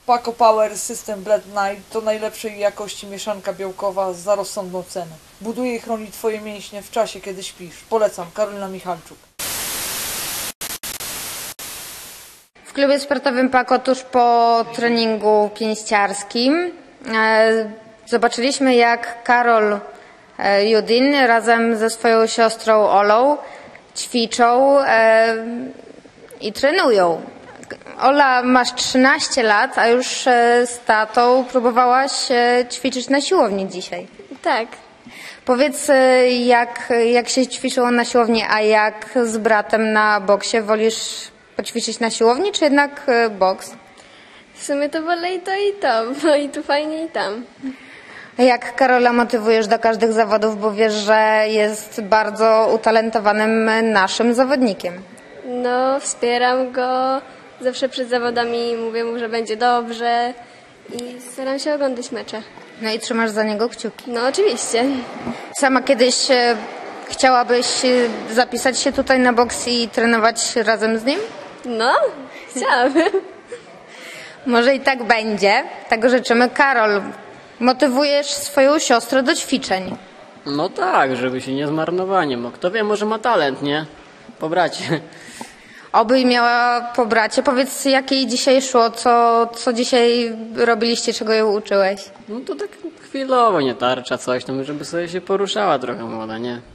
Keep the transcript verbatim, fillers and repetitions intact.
Paco Power System Blend Night to najlepszej jakości mieszanka białkowa za rozsądną cenę. Buduje i chroni Twoje mięśnie w czasie, kiedy śpisz. Polecam. Karolina Michalczuk. W klubie sportowym Paco tuż po treningu pięściarskim zobaczyliśmy, jak Karol Judin razem ze swoją siostrą Olą ćwiczą i trenują. Ola, masz trzynaście lat, a już z tatą próbowałaś ćwiczyć na siłowni dzisiaj. Tak. Powiedz, jak, jak się ćwiczyło na siłowni, a jak z bratem na boksie? Wolisz poćwiczyć na siłowni, czy jednak boks? W sumie to wolę i to i to, bo i tu fajnie i tam. Jak Karola motywujesz do każdych zawodów, bo wiesz, że jest bardzo utalentowanym naszym zawodnikiem? No, wspieram go. Zawsze przed zawodami mówię mu, że będzie dobrze i staram się oglądać mecze. No i trzymasz za niego kciuki? No, oczywiście. Sama kiedyś e, chciałabyś zapisać się tutaj na boks i trenować razem z nim? No, chciałabym. Może i tak będzie. Tego życzymy. Karol, motywujesz swoją siostrę do ćwiczeń. No tak, żeby się nie zmarnowanie. Bo kto wie, może ma talent, nie? Po bracie. Oby miała po bracie. Powiedz, jak jej dzisiaj szło, co, co dzisiaj robiliście, czego ją uczyłeś? No to tak chwilowo, nie tarcza, coś tam, żeby sobie się poruszała trochę młoda, nie?